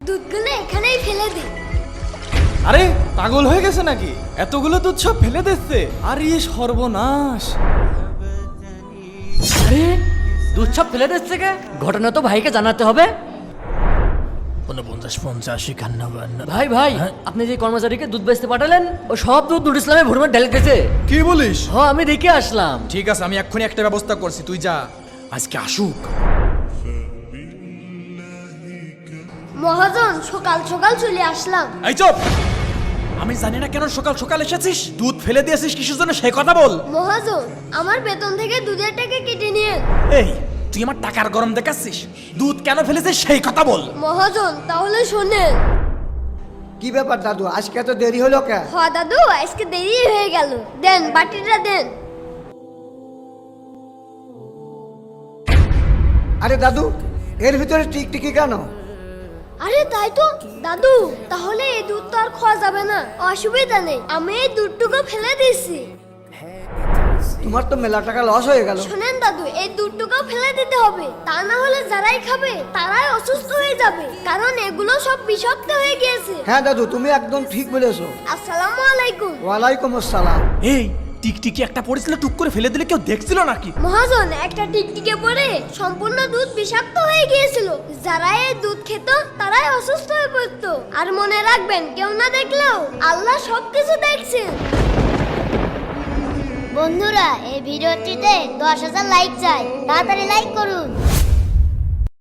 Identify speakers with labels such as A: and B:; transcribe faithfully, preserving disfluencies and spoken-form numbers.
A: দুধগুলো এখানেই ফেলে দে।
B: আরে পাগল হয়ে গেছে নাকি? এতগুলো দুধ সব ফেলে দিচ্ছে। আরে সর্বনাশ!
C: আরে দুধ সব ফেলে দিচ্ছে কে? ঘটনা তো ভাইকে জানাতে হবে।
B: উনপঞ্চাশ পঞ্চাশ একান্ন বান্ন।
C: ভাই ভাই আপনি যে কর্মচারীকে দুধ বেচতে পাঠালেন ও সব দুধ নুর ইসলামে ভরমে ঢেলে গেছে।
B: কি বলিস?
C: হ আমি দেখে আসলাম।
B: ঠিক আছে, আমি এক্ষুনি একটা ব্যবস্থা করছি, তুই যা। আজকে আসুক।
A: মহাজন সকাল সকাল চলে আসলাম।
B: এই চুপ! আমি জানি না কেন সকাল সকাল এসেছিস। দুধ ফেলে দিয়েছিস কিসের জন্য সেই কথা বল।
A: মহাজন আমার বেতন থেকে দুধের টাকা কেটে নিয়ে।
B: এই তুই আমার টাকার গরম দেখাচ্ছিস? দুধ কেন ফেলেছিস সেই কথা বল।
A: মহাজন তাহলে শোনেন।
D: কি ব্যাপার দাদু, আজকে এত দেরি হলো কে?
A: হ দাদু আজকে দেরি হয়ে গেল। দেন বাটিটা দেন।
D: আরে দাদু, এর ভিতরে টিকটিকি কেন?
A: আরে তাই তো দাদু, তাহলে এই দুধ তো আর খাওয়া যাবে না। অসুবিধা নেই, আমি এই দুধটুকু ফেলে দিয়েছি।
D: তোমার তো মেলা টাকা লস হয়ে গেল।
A: শোনেন দাদু, এই দুধটুকু ফেলে দিতে হবে, তা না হলে যারাই খাবে তারাই অসুস্থ হয়ে যাবে, কারণ এগুলো সব বিষাক্ত হয়ে গিয়েছে।
D: হ্যাঁ দাদু, তুমি একদম ঠিক বলেছো।
A: আসসালামু আলাইকুম।
D: ওয়ালাইকুম আসসালাম।
B: এই টিকটিকি একটা পড়েছিল, টুক করে ফেলে দিলে কেউ দেখছিল নাকি?
A: মহাজন একটা টিকটিকে পড়ে সম্পূর্ণ দুধ বিষাক্ত হয়ে গিয়েছিল। যারা এই দুধ খেত তারাই অসুস্থ হয়ে পড়তো। আর মনে রাখবেন, কেউ না দেখলেও আল্লাহ সবকিছু দেখছেন।
E: বন্ধুরা এই ভিডিওটিতে দশ হাজার লাইক চাই, তাড়াতাড়ি লাইক করুন।